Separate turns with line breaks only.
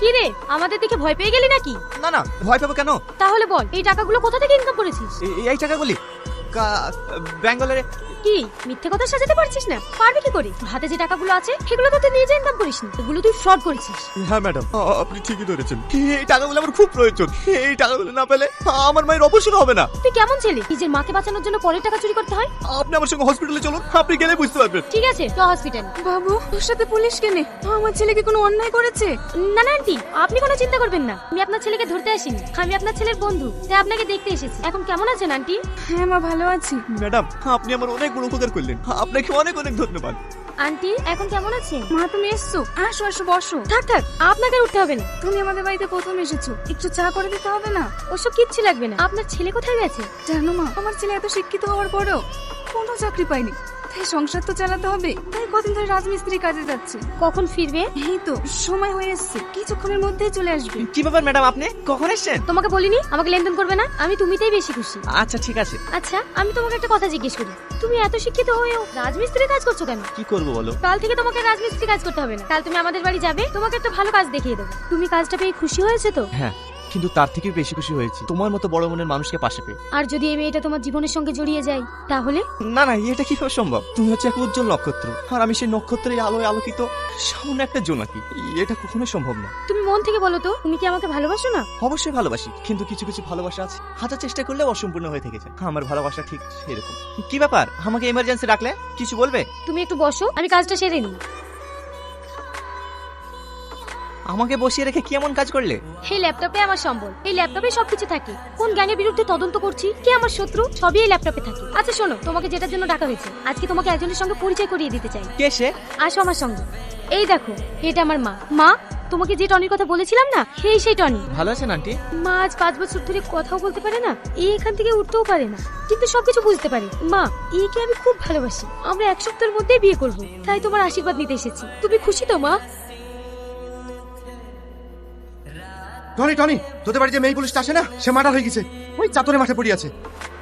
কি রে, আমাদের দেখে ভয় পেয়ে গেলি নাকি?
না না, ভয় পাবো কেন?
তাহলে বল, এই টাকাগুলো কোথা থেকে ইনকাম করেছিস?
এই টাকাগুলি ব্যাঙ্গালোরে।
কি মিথ্যে কথা সাজাতে পারছিস না? পারবি কি করে? তোর হাতে যে টাকাগুলো আছে সেগুলো তো তুই নিজে ইনকাম করিসনি, এগুলো তুই ফ্রড করেছিস।
হ্যাঁ ম্যাডাম, আপনি ঠিকই ধরেছেন। এই টাকাগুলো আমার খুব প্রয়োজন। এই টাকাগুলো না পেলে আমার মায়ের অপারেশন হবে না।
তুই কেমন ছেলে, নিজের মাকে বাঁচানোর জন্য পরের টাকা চুরি করতে হয়?
আপনি আমার সঙ্গে হসপিটালে চলুন, আপনি গেলে বুঝতে পারবেন।
ঠিক আছে, তো হসপিটাল।
বাবু, ওর সাথে পুলিশ কেনে? আমার ছেলে কি কোনো অন্যায় করেছে?
না না আন্টি, আপনি কোনো চিন্তা করবেন না। আমি আপনার ছেলেকে ধরতে আসিনি, আমি আপনার ছেলের বন্ধু, তাই আপনাকে দেখতে এসেছি। এখন কেমন আছেন আন্টি?
হ্যাঁ মা, ভালো আছি।
ম্যাডাম, আপনি আমার অনেক বড় উপকার করলেন, আপনাকে অনেক অনেক ধন্যবাদ।
আন্টি এখন কেমন আছেন?
মা, তুমি এসছো? আসো আসো, বসো।
থাক থাক, আপনাকে আর উঠতে হবে না।
তুমি আমাদের বাড়িতে প্রথম এসেছো, একটু চা করে দিতে হবে না?
ওসব কিচ্ছু লাগবে না। আপনার ছেলে কোথায় গেছে?
জানো মা, আমার ছেলে এত শিক্ষিত হওয়ার পরেও কোনো চাকরি পায়নি, তাই সংসার তো চালাতে হবে, তাই কদিন ধরে রাজমিস্ত্রি কাজে যাচ্ছে।
কখন ফিরবে?
এই তো সময় হয়ে এসছে, কিছুক্ষণের মধ্যেই চলে আসবে।
কি ব্যাপার ম্যাডাম, আপনি কখন এসেছেন?
তোমাকে বলিনি আমাকে লেনদেন করবে না? আমি তুমিতেই বেশি খুশি।
আচ্ছা ঠিক আছে।
আচ্ছা, আমি তোমাকে একটা কথা জিজ্ঞেস করি, তুমি এত শিক্ষিত হয়েও রাজমিস্ত্রি কাজ করছো কেন?
কি করবো বলো?
কাল থেকে তোমাকে রাজমিস্ত্রি কাজ করতে হবে না। কাল তুমি আমাদের বাড়ি যাবে, তোমাকে একটা ভালো কাজ দেখিয়ে দেবো। তুমি কাজটা পেয়ে খুশি হয়েছে তো?
হ্যাঁ, কিন্তু তার থেকে বেশি খুশি হয়েছি তোমার মতো বড় মনের মানুষকে পাশে পেয়ে।
আর যদি এই মেয়েটা তোমার জীবনের সঙ্গে জড়িয়ে যায় তাহলে?
না না, এটা কিভাবে সম্ভব? তুমি হচ্ছে এক উজ্জ্বল নক্ষত্র, আর আমি সেই নক্ষত্রের আলোয় আলোকিত সামান্য একটা জোনাকি। এটা কখনোই সম্ভব না।
তুমি মন থেকে বলো তো, তুমি কি আমাকে ভালোবাসো না?
অবশ্যই ভালোবাসি, কিন্তু কিছু কিছু ভালোবাসা আছে হাজার চেষ্টা করলে অসম্পূর্ণ হয়ে থেকে যায়। আমার ভালোবাসা ঠিক সেরকম। কি ব্যাপার, আমাকে এমার্জেন্সি রাখলে? কিছু বলবে?
তুমি একটু বসো, আমি কাজটা সেরে নিই।
আমাকে বসিয়ে রেখে কি এমন কাজ করলে?
এই ল্যাপটপে আমার সম্বল, এই ল্যাপটপে সবকিছু থাকে। কোন গ্যাংয়ের বিরুদ্ধে তদন্ত করছি, কে আমার শত্রু, সবই এই ল্যাপটপে থাকে। আচ্ছা শোনো, তোমাকে যেটার জন্য ডাকা হয়েছে, আজকে তোমাকে একজনের সঙ্গে পরিচয় করিয়ে দিতে চাই।
কে সে?
আসো আমার সঙ্গে। এই দেখো, এটা আমার মা। মা, তোমাকে যে টনির কথা বলেছিলাম না, সেই টনি।
ভালো আছেন আন্টি?
মা আজ 5 বছর ধরে কথাও বলতে পারে না, এখান থেকে উঠতেও পারে না, কিন্তু সবকিছু বুঝতে পারে। মা, একে আমি খুব ভালোবাসি, আমরা 1 সপ্তাহের মধ্যেই বিয়ে করব, তাই তোমার আশীর্বাদ নিতে এসেছি। তুমি খুশি তো মা?
টনি, তোদের বাড়ি যে মেয়ে পুলিশটা আসে না, সে মার্ডার হয়ে গেছে, ওই চাতরে মাঠে পড়ে আছে।